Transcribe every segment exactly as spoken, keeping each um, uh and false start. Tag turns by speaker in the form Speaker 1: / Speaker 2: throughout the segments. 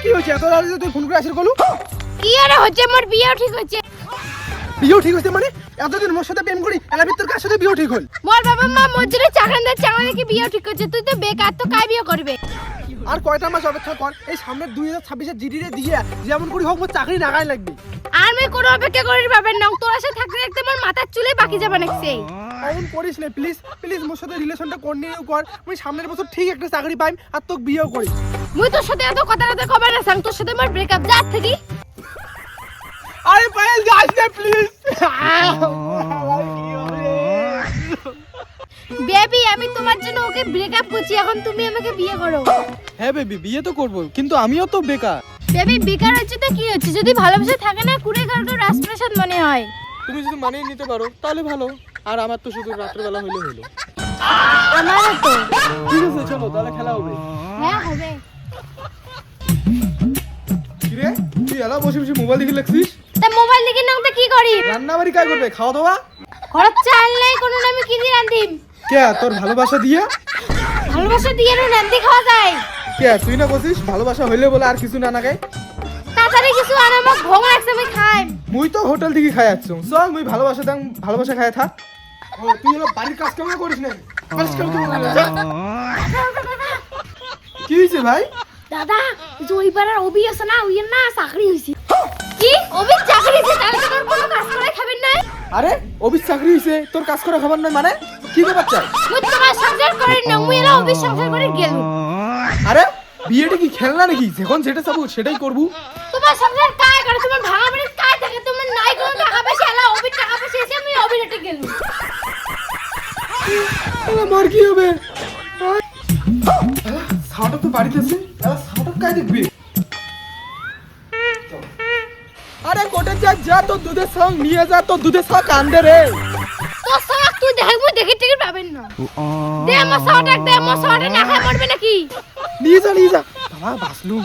Speaker 1: কি হচ্ছে এত রাতে তুই ফোন করে আসিস কলু?
Speaker 2: কি আর হচ্ছে মোর বিয়ে ঠিক হচ্ছে।
Speaker 1: বিয়ে ঠিক হচ্ছে মানে এতদিন মোর সাথে প্রেম করি এলা ভিতর কার সাথে বিয়ে ঠিক হল?
Speaker 2: মোর বাবা মা মোর জন্য চাকরানদার চাকরা কি বিয়ে ঠিক হচ্ছে। তুই তো বেকার, তো কাই বিয়ে করবে?
Speaker 1: আর কয়টা মাস অপেক্ষা কর, এই সামনের দুই হাজার ছাব্বিশের জিডি রে দিয়ে যেমন করি হোক মোর চাকরি নাগাই লাগবে।
Speaker 2: আর আমি কোনো অপেক্ষা করি পাবেন না, তোর সাথে থাকতে থাকতে মোর মাথার চুলে বাকি যাবে নাকছে।
Speaker 1: এমন করিস না প্লিজ প্লিজ, মোর সাথে রিলেশনটা কন্টিনিউ কর। আমি সামনের বছর ঠিক একটা চাকরি পাইম আর তোকে বিয়েও করি।
Speaker 2: মুই তোর সাথে এত কথা কথা কবে না সাং, তোর সাথে মোর ব্রেকআপ যা থাকি।
Speaker 1: আরে পায়েল যাস না প্লিজ।
Speaker 2: বেবি আমি তোমার জন্য ওকে ব্রেকআপ করছি, এখন তুমি আমাকে বিয়ে করো।
Speaker 1: হ্যাঁ বেবি বিয়ে তো করব, কিন্তু আমিও তো বেকার।
Speaker 2: বেবি বেকার হচ্ছে তো কি হচ্ছে, যদি ভালোবাসা থাকে না কুড়ে কারো রাজপ্রাসাদ মনে হয়।
Speaker 1: তুমি যদি মানিয়ে নিতে পারো তাহলে ভালো, আর আমার তো শুধু রাতের বেলা হইলে হলো।
Speaker 2: আমারও তো।
Speaker 1: ঠিক আছে চলো তাহলে খেলা হবে।
Speaker 2: হ্যাঁ হবে।
Speaker 1: কি রে তুই এলা বসে বসে মোবাইল দেখে লাগছিস?
Speaker 2: তা মোবাইল দেখে নাও তো কি করি?
Speaker 1: রান্না বাড়ি কাজ করবে, খাওয়া দাওয়া?
Speaker 2: খরচ চাল নাই কোনো, আমি কি দিয়ে রান্ধিম?
Speaker 1: কে তোর ভালোবাসা দিয়ে?
Speaker 2: ভালোবাসা দিয়ে না রান্ধি খাওয়া যায়?
Speaker 1: কে তুই না বলছিস ভালোবাসা হইলে বলে আর কিছু না না খাই?
Speaker 2: তাড়াতাড়ি কিছু আর আমার ঘুম লাগছে, আমি খাই।
Speaker 1: মুই তো হোটেল থেকে খাই আসছ, চল মুই ভালোবাসা দাম ভালোবাসা খাই থাক। ও তুই হলো বাড়ির কাজ কেমন করিস না? কাজ কেমন করিস? কি হইছে ভাই?
Speaker 2: দাদা ওই পাড়ার অভি আছে না, ওই না চাকরি হইছে। কি অভি চাকরি হইছে? তাহলে তো তোর কোনো কাজ করে খাবেন না?
Speaker 1: আরে অফিস চাকরি হইছে তোর কাজ করা খাবার নয় মানে কি ব্যাপার চাই?
Speaker 2: মুই তোমার সংসার করে না, মুই এলা অভি সংসার করে গেল।
Speaker 1: আরে বিয়েটা কি খেলনা নাকি? যখন যেটা চাবো সেটাই করবো।
Speaker 2: তোমার সংসার কাজ করে, তোমার ভাঙা বাড়ির কাজ থাকে, তোমার নাই কোনো টাকা পয়সা, এলা অভি টাকা পয়সা এসে আমি অভি রেটে গেল।
Speaker 1: আমার কি হবে? সাউন্ড তো বাড়িতে আছে, এবার সাউন্ড কাই দেখবি? আরে কোটে যা যা তো দুধের সঙ্গ নিয়ে যা, তো দুধের সঙ্গ কান্দে রে।
Speaker 2: তোর সঙ্গ তুই দেখ, মুই দেখি টিকিট পাবেন না। দে আমার সওয়াটা, দে আমার সওয়াটা, না খায় মরবে নাকি?
Speaker 1: নিয়ে যা নিয়ে যা বাবা বাসলু।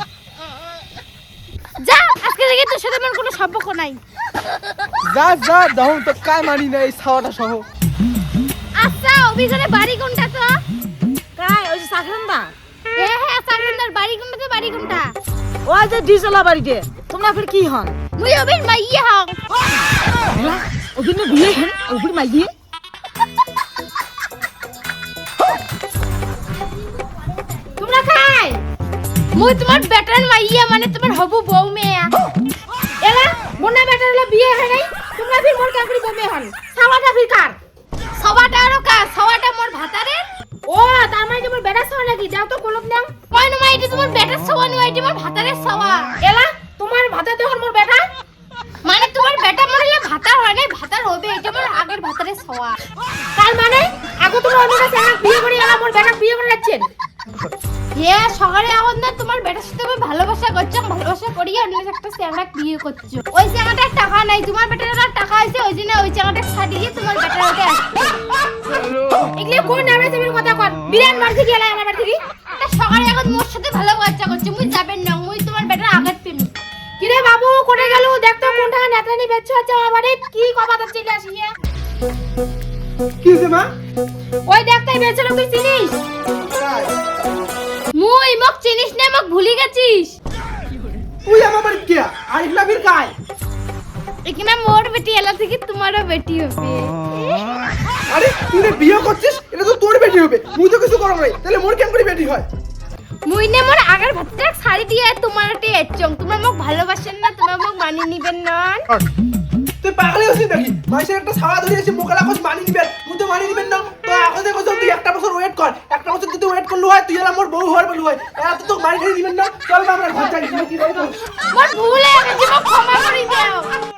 Speaker 2: যা আজকে থেকে তোর সাথে আমার কোনো সম্পর্ক নাই।
Speaker 1: যা যা দাও তো কাই মানি না এই ছাওয়াটা সহ।
Speaker 2: আচ্ছা অভিযানে বাড়ি কোনটা তো?
Speaker 3: কাই ওই যে সাকরান্দা
Speaker 2: হ্যাঁ হ্যাঁ সাগরন্দার বাড়ি কোনটা তো? বাড়ি কোনটা?
Speaker 3: ওই যে ডিজলা বাড়িতে। তোমরা ফির কি হন?
Speaker 2: মুই অভির মাইয়া হং।
Speaker 3: ওখানে বিয়ে হেন ওপর মাইয়ে।
Speaker 2: তোমরা খাই মুই তোমার বেটার মাইয়া, মানে তোমার হবু বউ মেয়ে। এলা মোনা বেটার হলো বিয়ে হয় নাই, তোমরা ফির মোর কাকুরি বউ মেয়ে হন। সাওয়াটা ফির কার? সবাটা আরো কার? সবাটা মোর ভাতারে। ও তার মানে তোমার বেটার সওয়া নাকি? যাও তো কলম নাও। কই না মাইটি তোমার বেটার সওয়া নয়, এটি মোর ভাতারের সওয়া। এলা তোমার ভাতা তো মোর বেটা, মানে তোমার বেটা মরলে ভাতা হয় না, ভাতার হবে, এটা মোর আগের ভাতারের সওয়া। তার মানে আগে তুমি অন্য কাছে এক বিয়ে করে এলা মোর বেটা বিয়ে করে যাচ্ছেন? হে সকালে এখন না তোমার বেটার সাথে আমি ভালোবাসা করছো, ভালোবাসা করিয়ে অন্য একটা চ্যাংড়া বিয়ে করছো। ওই চ্যাংড়াটার টাকা নাই, তোমার বেটার টাকা আছে, ওই জন্য ওই চ্যাংড়াটা ছাড়িয়ে তোমার বেটার ওকে আসছে। এগুলো কোন নামে তুমি কথা কর? বিরান মার থেকে এলা আমার থেকে তা সকালে এখন মোর সাথে ভালোবাসা করছো, মুই যাবেন না, মুই তোমার বেটার আগের প্রেমী। কি রে বাবু কোনে গেল? দেখতো কোনটা নেতরানি বেচছো আছে আমার বাড়ি, কি কথা চলে আসিয়ে?
Speaker 1: কি হইছে মা?
Speaker 2: ওই দেখতাই বেচলো, তুই চিনিস? মুই মক চিনিস না, মক ভুলি গেছিস?
Speaker 1: তুই আমার বাড়ি কে? আর ইগলা ফির কাই?
Speaker 2: এখানে মোর বেটি এলা থেকে তোমারও বেটি হবে।
Speaker 1: আরে তুই রে বিয়ে করছিস, এটা তো তোর বেটি হবে, মুই তো কিছু করব নাই, তাহলে মোর কেন করে বেটি হয়?
Speaker 2: মুই নে মোর আগের ভাতটা শাড়ি দিয়ে তোমারতে এচং, তোমরা মক ভালোবাসেন না, তোমরা মক মানি নিবেন না।
Speaker 1: তুই পাগল হইছিস নাকি? মাইসের একটা ছাওয়া ধরে এসে মোকালা কস মানি নিবেন, মুই তো মানি নিবেন না। তো এখন দেখো তুই একটা বছর ওয়েট কর, একটা বছর যদি ওয়েট করলু হয় তুই এলা মোর বউ হওয়ার বলু হয়, এলা তো তোকে মারি খেয়ে দিবেন না। চল আমরা ঘর যাই, কি রে?
Speaker 2: মোর ভুল হয়ে গেছে, মক ক্ষমা করে দাও।